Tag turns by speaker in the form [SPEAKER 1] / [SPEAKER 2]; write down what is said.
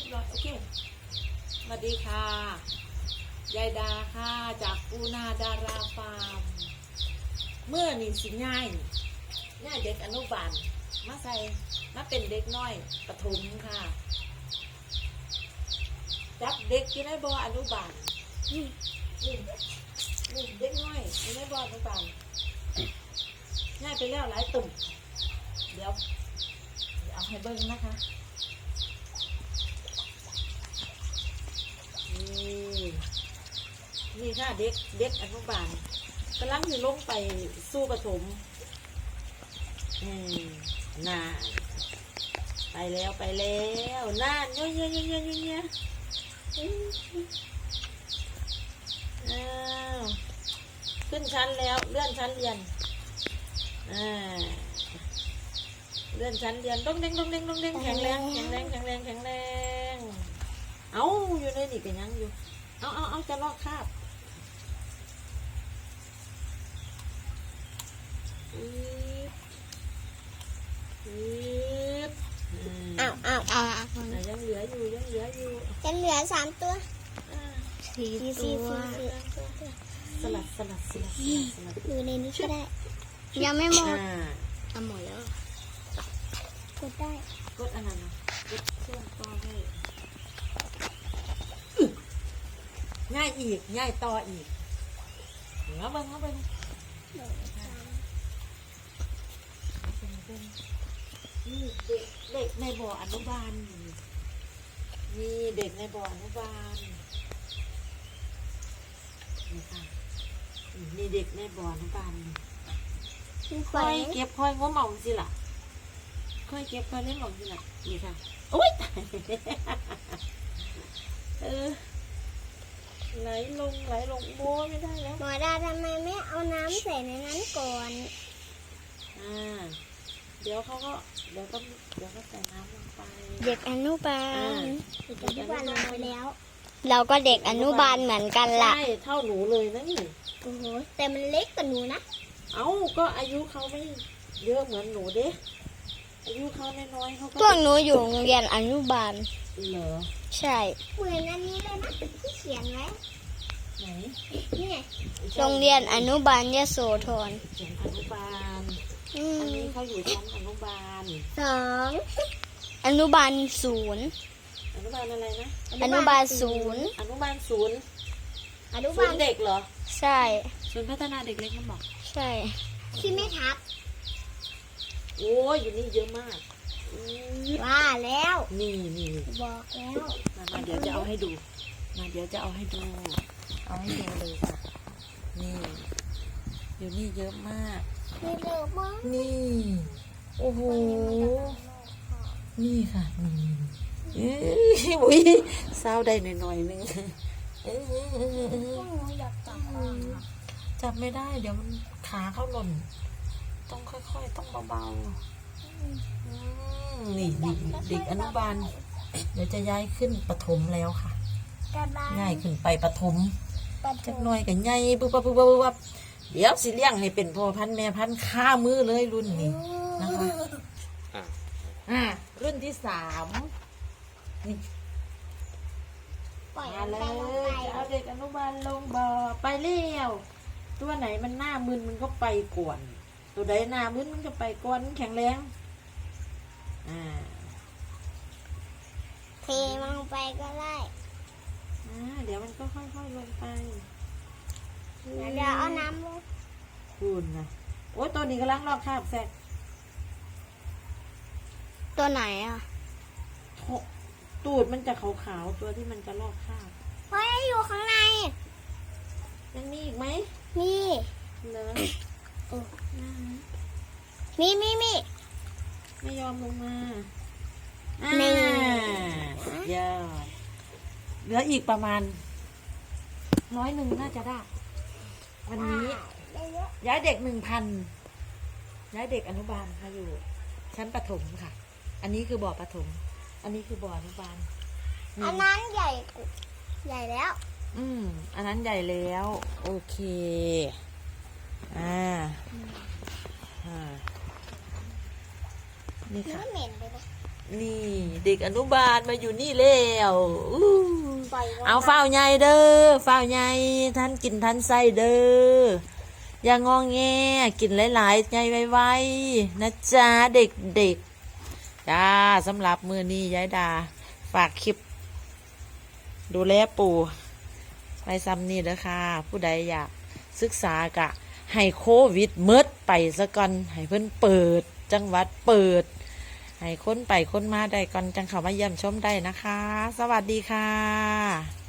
[SPEAKER 1] โอเคสวัสดีค่ะยายดาค่ะจากปูนาดาราฟาร์มเมื่อนี่สิง่ายเด็กอนุบาลมาใส่มาเป็นเด็กน้อยประถมค่ะจับเด็กที่ในบ่ออนุบาลนี่เด็กน้อยที่ในบ่ออนุบาลง่ายไปแล้วหลายตุ่มเดี๋ยวเอาให้เบิ้งนะคะนี่ค่ะเด็กอนุบาลกำลังจะลงไปสู้ประถมน่าไปแล้วน่านเงี้ยอ้าวขึ้นชั้นแล้วเลื่อนชั้นเรียนเลื่อนชั้นเรียนต้องเด้งแข็งแรงเอาอยู่ในนี่กันยังอยู่เอาจะลอกคราบยังเหลืออยู่ยังเหลือ
[SPEAKER 2] 3 ตัว4 ตัว
[SPEAKER 1] สลัด
[SPEAKER 2] อยู่ในนี้ก็ได้ยังไม่หมด
[SPEAKER 1] หมดแล้ว
[SPEAKER 2] กดได้
[SPEAKER 1] กดอันนั้นนะกดเชื่อมต่อให้ง่ายอีกง่ายต่ออีกเอาไปนี่เด็กในบ่ออนุบาลนี่เด็กในบ่ออนุบาลนี่ค่ะนี่เด็กในบ่ออนุบาลค่อยเก็บค่อยง้มเอาสิล่ะค่อยเก็บค่อยเล่นเอาสิล่ะนี่ค่ะโอ๊ยไหลลงโบ้ไม่ได้แล้ว
[SPEAKER 2] หมอดาทำไมไม่เอาน้ำใส่ในนั้นก่อน
[SPEAKER 1] เดี๋ยวก็ใส่น้ำลงไป
[SPEAKER 2] เด็กอนุบาลลงไปแล้วเราก็เด็กอนุบาลเหมือนกันล่ะ
[SPEAKER 1] ใช่เท่าหนูเลยนะนี่
[SPEAKER 2] โอ้โหแต่มันเล็กกว่าหนูนะ
[SPEAKER 1] ก็อายุเขาไม่เยอะเหมือนหนูเด้อายุเขาน้อยเขาก็
[SPEAKER 2] พวกหนูอยู่โรงเรียนอนุบาล
[SPEAKER 1] เหรอ
[SPEAKER 2] ใช่เหมือนอันนี้เลยนะที่เขียนไว้
[SPEAKER 1] ไหน
[SPEAKER 2] นี่โรงเรียนอนุบาลยโสธร
[SPEAKER 1] เขียนอนุบาลอันนี้เขาอยู่ชั้นอนุบาล
[SPEAKER 2] 2อนุบาล0
[SPEAKER 1] อนุบาลอะไรนะ
[SPEAKER 2] อนุบาล0
[SPEAKER 1] อนุบาล0
[SPEAKER 2] อนุบาล
[SPEAKER 1] เด็กเหรอ
[SPEAKER 2] ใช่
[SPEAKER 1] ศูนย์พัฒนาเด็กเล็กมันบอก
[SPEAKER 2] ใช่ที่ไม่ทับ
[SPEAKER 1] โอ้ยอยู่นี่เยอะมาก
[SPEAKER 2] ว่าแล้ว
[SPEAKER 1] นี่
[SPEAKER 2] บอกแล้ว
[SPEAKER 1] มาเดี๋ยวจะเอาให้ดูเอาให้ดูเลยค่ะนี่อยู่นี่เยอะมากนี่โอ้โหนี่ค่ะอุ้ยเศร้าได้หน่อยนึงจับไม่ได้เดี๋ยวมันขาเขาหล่นต้องค่อยๆต้องเบาๆนี่เด็กอนุบาลเดี๋ยวจะย้ายขึ้นประถมแล้วค่ะง่ายขึ้นไปประถมจักหน่อยกับใหญ่ปุ๊บเดี๋ยวสิเลี้ยงให้เป็นพ่อพันธุ์แม่พันธุ์ข้ามือเลยรุ่นนี้นะคะรุ่นที่3นี่มาเลยเอาเด็กอนุบาลลงบ่อไปเลี้ยวตัวไหนมันหน้ามึนมันก็ไปก่อนตัวใดหน้ามึนมันก็ไปก่อนแข็งแรง
[SPEAKER 2] เทลงไปก็ได้
[SPEAKER 1] เดี๋ยวมันก็ค่อยๆลงไป
[SPEAKER 2] เดี๋ยวเอาน้ำลง
[SPEAKER 1] คุณนะโอ้ยตัวนี้กำลังลอกคราบแซก
[SPEAKER 2] ตัวไหน
[SPEAKER 1] ตูดมันจะขาวๆตัวที่มันจะลอกคราบ
[SPEAKER 2] เฮ้ยอยู่ข้างใน
[SPEAKER 1] ยังมีอีกไหม
[SPEAKER 2] มี
[SPEAKER 1] เหรอ
[SPEAKER 2] มี
[SPEAKER 1] ไม่ยอมลงมาเยอะเหลืออีกประมาณ100น่าจะได้วันนี้ย้ายเด็ก1,000ย้ายเด็กอนุบาลค่ะอยู่ชั้นประถมค่ะอันนี้คือบ่อประถมอันนี้คือบ่ออนุบาล
[SPEAKER 2] อันนั้นใหญ่แล้ว
[SPEAKER 1] อันนั้นใหญ่แล้วโอเคนี่ค่ะ
[SPEAKER 2] เหม็นเลยนะ
[SPEAKER 1] นี่ เด็กอนุบาลมาอยู่นี่แล้วอู้
[SPEAKER 2] ปล่อยว่
[SPEAKER 1] เอาฝ้าวใหญ่เด้อฝ้าวใหญ่ท่านกินท่านไส้เด้ออย่างองแงกินหลายๆใหญ่ไวๆนะจ๊ะเด็กๆจ้าสำหรับมือนี้ยายดาฝากคลิป ดูแลปู่ไปซ้ำนี่เด้อค่ะ ผู้ใดอยากศึกษากะ ให้โควิดเมิดไปซะก่อนให้เพิ่นเปิด จังหวัดเปิด ให้คนไปคนมาได้ก่อนจังเข้ามาเยี่ยมชมได้นะคะ สวัสดีค่ะ